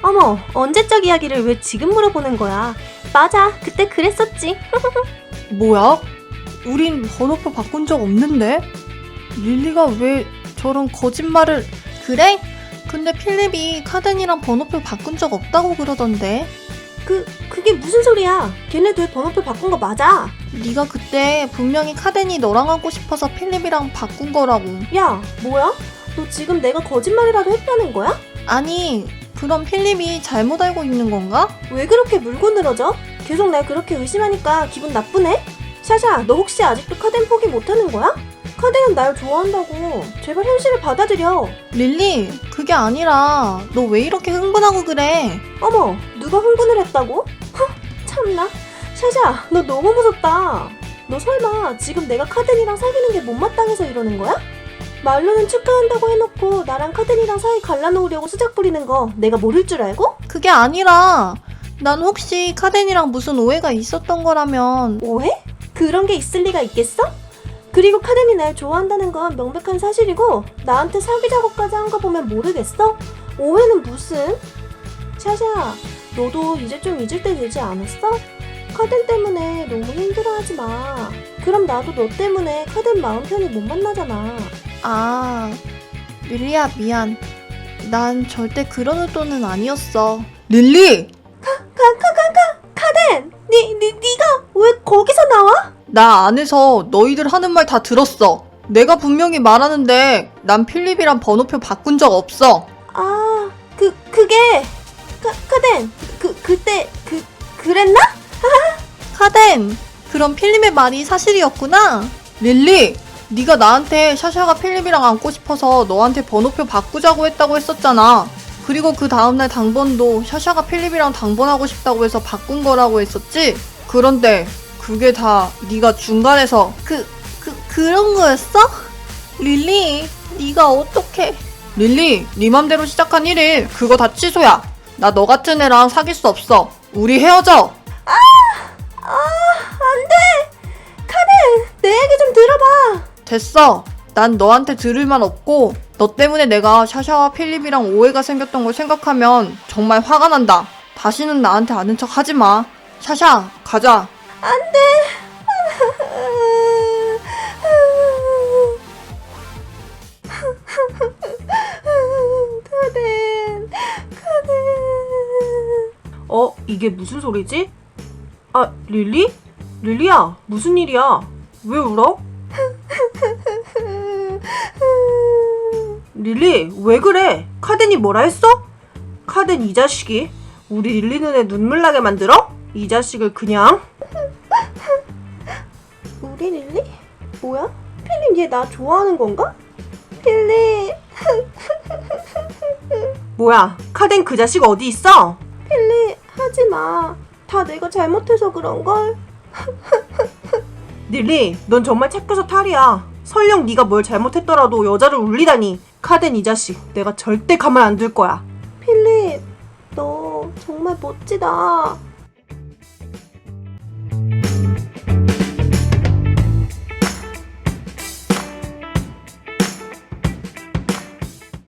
어머, 언제적 이야기를 왜 지금 물어보는 거야? 맞아, 그때 그랬었지. 뭐야? 우린 번호표 바꾼 적 없는데? 릴리가 왜 저런 거짓말을... 그래? 근데 필립이 카덴이랑 번호표 바꾼 적 없다고 그러던데? 그게 무슨 소리야? 걔네들 번호표 바꾼 거 맞아. 네가 그때 분명히 카덴이 너랑 하고 싶어서 필립이랑 바꾼 거라고. 야, 뭐야? 너 지금 내가 거짓말이라도 했다는 거야? 아니, 그럼 필립이 잘못 알고 있는 건가? 왜 그렇게 물고 늘어져? 계속 날 그렇게 의심하니까 기분 나쁘네? 샤샤, 너 혹시 아직도 카덴 포기 못하는 거야? 카덴은 날 좋아한다고. 제발 현실을 받아들여. 릴리, 그게 아니라 너 왜 이렇게 흥분하고 그래? 어머, 누가 흥분을 했다고? 참나. 샤샤, 너 너무 무섭다. 너 설마 지금 내가 카덴이랑 사귀는 게 못마땅해서 이러는 거야? 말로는 축하한다고 해놓고 나랑 카덴이랑 사이 갈라놓으려고 수작 부리는 거 내가 모를 줄 알고? 그게 아니라 난 혹시 카덴이랑 무슨 오해가 있었던 거라면. 오해? 그런 게 있을 리가 있겠어? 그리고 카덴이 날 좋아한다는 건 명백한 사실이고 나한테 사귀자고까지 한 거 보면 모르겠어? 오해는 무슨? 샤샤, 너도 이제 좀 잊을 때 되지 않았어? 카덴 때문에 너무 힘들어하지 마. 그럼 나도 너 때문에 카덴 마음 편히 못 만나잖아. 아, 릴리야 미안. 난 절대 그런 의도는 아니었어. 릴리! 카덴! 네가 왜 거기서 나와? 나 안에서 너희들 하는 말 다 들었어. 내가 분명히 말하는데 난 필립이랑 번호표 바꾼 적 없어. 아, 그게 카덴, 그때 그랬나? 카덴, 그럼 필립의 말이 사실이었구나. 릴리, 네가 나한테 샤샤가 필립이랑 앉고 싶어서 너한테 번호표 바꾸자고 했다고 했었잖아. 그리고 그 다음날 당번도 샤샤가 필립이랑 당번하고 싶다고 해서 바꾼 거라고 했었지? 그런데 그게 다 네가 중간에서 그런 거였어? 릴리, 네가 어떻게... 릴리, 네 맘대로 시작한 1일 그거 다 취소야. 나 너 같은 애랑 사귈 수 없어. 우리 헤어져. 안 돼! 카덴! 내 얘기 좀 들어봐! 됐어. 난 너한테 들을 말 없고 너 때문에 내가 샤샤와 필립이랑 오해가 생겼던 걸 생각하면 정말 화가 난다. 다시는 나한테 아는 척 하지 마. 샤샤, 가자. 안 돼! 카덴. 이게 무슨 소리지? 아, 릴리? 릴리야, 무슨 일이야? 왜 울어? 릴리, 왜 그래? 카덴이 뭐라 했어? 카덴 이 자식이 우리 릴리 눈에 눈물 나게 만들어? 이 자식을 그냥... 우리 릴리? 뭐야? 필립 얘 나 좋아하는 건가? 필립... 뭐야, 카덴 그 자식 어디 있어? 필립, 하지마. 다 내가 잘못해서 그런걸? 릴리, 넌 정말 착해서 탈이야. 설령 네가 뭘 잘못했더라도 여자를 울리다니. 카덴 이 자식, 내가 절대 가만 안 둘 거야. 필립, 너 정말 멋지다.